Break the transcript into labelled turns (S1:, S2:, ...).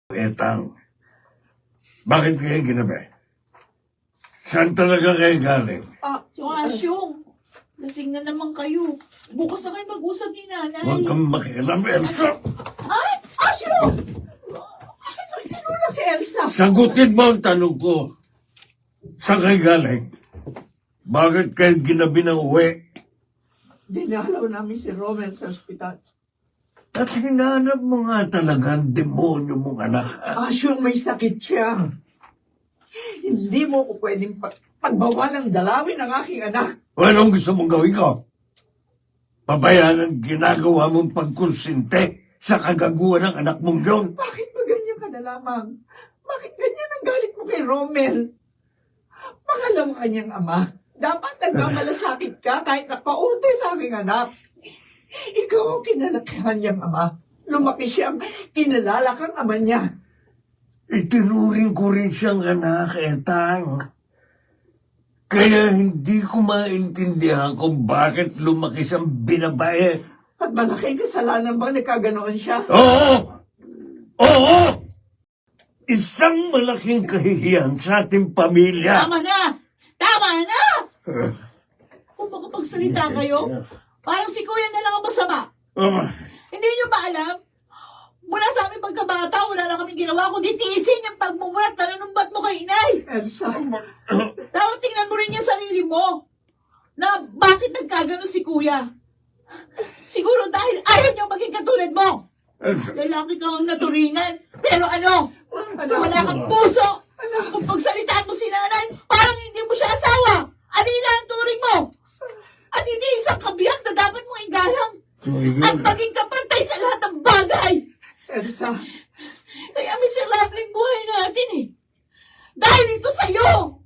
S1: Etang, bakit kayo ginabi? Saan talaga kayo galing?
S2: Yung Asyong, lasing na naman kayo. Bukas na kayo mag-usap ni nanay.
S1: Huwag kang makialam, Elsa.
S2: Ay! Asyong! Bakit tinulak si Elsa?
S1: Sagutin mo ang tanong ko. Saan kayo galing? Bakit kayo ginabi ng uwi?
S3: Dinalaw namin si Romel sa ospital.
S1: At hinanap mo nga talaga ang demonyo mong anak.
S3: Asyong may sakit siya. Hindi mo ko pwedeng pagbawalang dalawin ang aking anak.
S1: O anong gusto mong gawin ko? Pabayaan ang ginagawa mong pagkonsinte sa kagaguhan ng anak mong yun.
S3: Bakit ba ganyan ka na lamang? Bakit ganyan ang galit mo kay Romel? Pangalawa kanyang ama. Dapat nagmamalasakit ka kahit napaunti sa aming anak. Ikaw ang kinalakihan niyang ama. Lumaki siyang kinalala kang ama niya.
S1: Itinuring ko rin siyang anak, Etang. Kaya hindi ko maintindihan kung bakit lumaki siyang binabae.
S3: At malaking kasalanan ba nagkaganoon siya?
S1: Oo! Oo! Isang malaking kahihiyan sa ating pamilya.
S2: Tama na! Tama na! Kung makapagsalita kayo, parang si Kuya na lang ang masama. Hindi niyo ba alam? Mula sa aming pagkabata, wala lang kaming ginawa kundi tiisin yung pagmumulat at panunumbat mo kay inay.
S3: Elsa,
S2: Dapat tingnan mo rin yung sarili mo na bakit nagkagano si Kuya. Siguro dahil ayaw niyo maging katulad mo. Lalaki kang naturingan, pero ano? Wala kang puso. Kung pagsalitaan mo si nanay, parang hindi mo siya asawa. Alina ang turing mo. At hindi isang kabiyak na dapat mong igalang. At maging kapantay sa lahat ng bagay.
S3: Elsa,
S2: Kaya miserabling buhay natin eh. Dahil ito sa'yo.